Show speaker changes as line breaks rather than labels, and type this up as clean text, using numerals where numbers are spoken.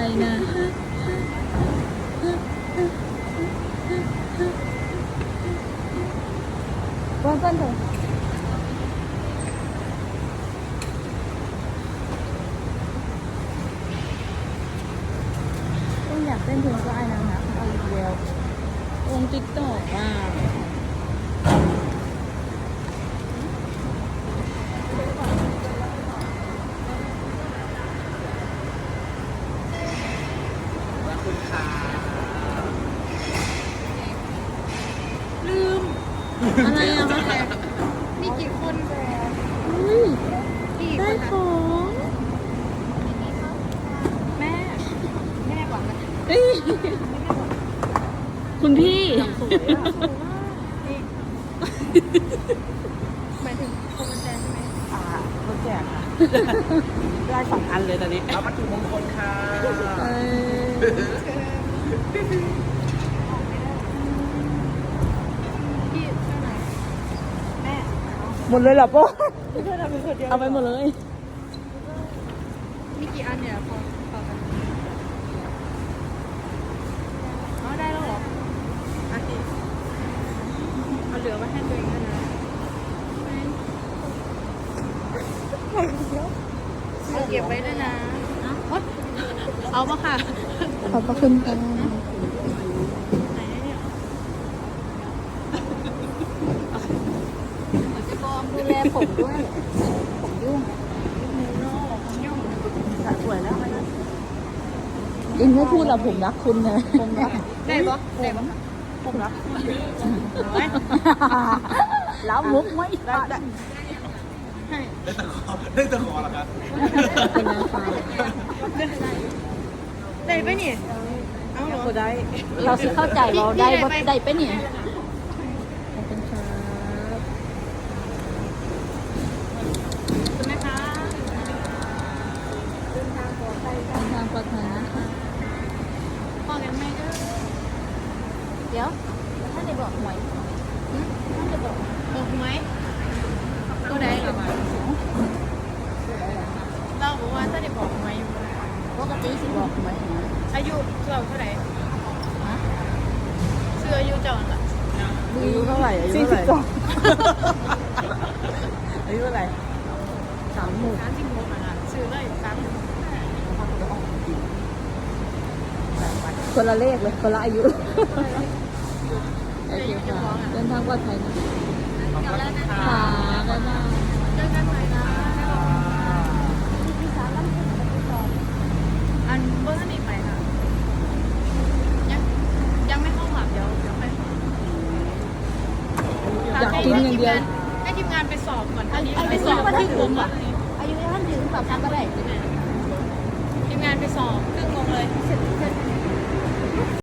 นะว่าเพื่อนเถอะต้องอยากเต้นเพลงก็ไอ้นางนะเอาอีกแล้ววงติ๊กต็อกอ่ะลืม อะไรอ่ะคะ
มีกี่คน
อุ้ย
กี่ค
ได้
น
ข
คะ
อง
แม่แม่ก่อนนะ
เอ้ยคุณพี่
หมายถึงโคมแจใช่ไหม
รถแจกค่ะ ได้2 อันเลยตอนนี้เอาวัตถุมงคลค่ะ
เออ
พี่เท่าไหร่แม่
หมดเลยเหรอโป้
เอาไปหมดเลย
มีกี่อันเนี่ยพอกันอ๋อได้แล้วเหรออ่ะสิเอาเหลือไว้ให้ตัวเองด้วยนะเอาเก็บไว้ด้วยนะเอาปะค่ะ
ขอบพระคุณค่ะ
ไหนเนี่ยจะกองดูแลผมด้วย ผมยุ่งยุ่ง
สวยแล้วนะ
อินไม่พูดหรอกผมรักคุณนะผมรัก
ได้ปะได้ปะ
ผมรัก
แล้วมุกไม่
ได้
ให้
ได้ตะขอเหรอครับ
เป็นนางฟ้า
ได้ปะเนี่ยเอาเหรอ
ก็ได้
เราสิเข้าใจเราได้ว่า
พี่
ได้ไปะเนี่ยขอบคุณครับ
คุณแม่คะ
เดินทางปลอดภัยนะคะ
พ่อกันแม่ก็
เดี๋ยวท่านได้บอกหวยท่านได้บอก
บอกไหมตัวใดหรอเราบอกว่าถ้าได้บอกไหม
ปกติสิบอกหวยนะ
อายุเราเท่าไหร่ชื่ออายุเจ้าน่ะ
อายุเท่าไหร่อายุเท่าไหร่อายุเท่าไหร่
36
36อ่ะชื่อเลย3
คนละเลขเลยคนละอายุโอเคค่ะเดินทางปลอดภัยนะ
กลับแล้วนะ
ค่ะบ๊ายบาย
เจอกันใหม่นะอันเบอร์ท่านอีกไหมคะยังไม่เข้าหลับเดี๋ยวไป
อยากกินอย่างเดียว
ให้ทีมงานไปสอบก่อนอันนี้ไปสอบครึ่งวงอ่ะ
อายุท่านถึงปรับกันก็ได้
ทีมงานไปสอบครึ่งวงเลย